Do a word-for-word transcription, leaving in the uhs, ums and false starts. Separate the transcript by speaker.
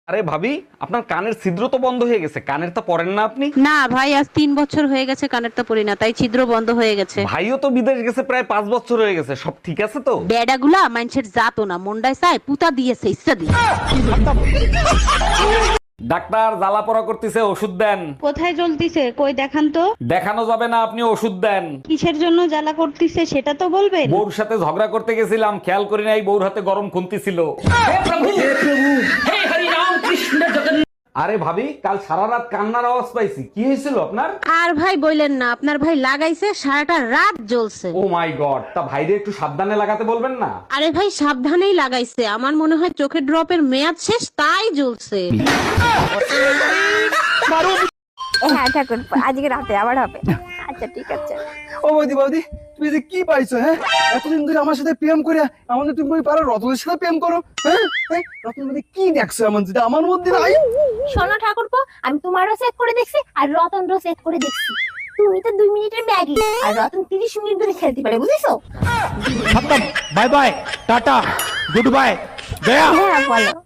Speaker 1: আরে ভাবি, আপনার কানের ছিদ্র তো বন্ধ হয়ে গেছে, কানের তো পরেন না আপনি?
Speaker 2: না ভাই, আজ তিন বছর হয়ে গেছে কানেরটা পরি না, তাই ছিদ্র বন্ধ হয়ে গেছে।
Speaker 1: ভাইও তো বিদেশ গেছে প্রায় পাঁচ বছর হয়ে গেছে, সব ঠিক আছে তো?
Speaker 2: বেডাগুলা মানুষের জাতো না, মন্ডায় চায় পুতা দিয়েছে ইচ্ছা দিয়ে।
Speaker 1: ডাক্তার, জ্বালা পড়া করতেছে, ওষুধ দেন।
Speaker 3: কোথায় জ্বলতিছে কই দেখান তো।
Speaker 1: দেখানো যাবে না, আপনি ওষুধ দেন।
Speaker 3: কিসের জন্য জ্বালা করতিছে সেটা তো বলবেন।
Speaker 1: বউর সাথে ঝগড়া করতে গেছিলাম, খেয়াল করি নাই বউর হাতে গরম খুন্তি ছিল। আরে ভাবি, কাল সারা রাত কান্নার আওয়াজ পাইছি, কি হয়েছিল আপনার?
Speaker 2: আর ভাই বললেন না, আপনার ভাই লাগাইছে সারাটা রাত জ্বলছে।
Speaker 1: ও মাই গড, তা ভাইরে একটু সাবধানে লাগাতে বলবেন না?
Speaker 2: আরে ভাই সাবধানেই লাগাইছে, আমার মনে হয় চোখের ড্রপের মেয়াদ শেষ তাই জ্বলছে।
Speaker 4: হ্যাঁ ঠাকুর, আজকে রাতে আবার হবে। আচ্ছা ঠিক আছে।
Speaker 5: ও বৌদি বৌদি, তুমি যে কি পাইছো? হ্যাঁ, এতদিন ধরে আমার সাথে প্রেম করে আমাদের তুমি কই পারো রতনের সাথে প্রেম করো? হ্যাঁ, হ্যাঁ, রতনের মধ্যে কি দেখছো এমন যেটা আমার মধ্যে নাই?
Speaker 4: শোনো ঠাকুরপো, আমি তোমারও সেট করে দেখছি আর রতনরও সেট করে দেখছি। তুমি তো দুই মিনিটের ম্যাগি আর রতন তিরিশ মিনিট ধরে খেলতে পারে, বুঝেছো?
Speaker 6: खत्म, bye bye, tata, goodbye, गया।
Speaker 4: হ্যাঁ বলো।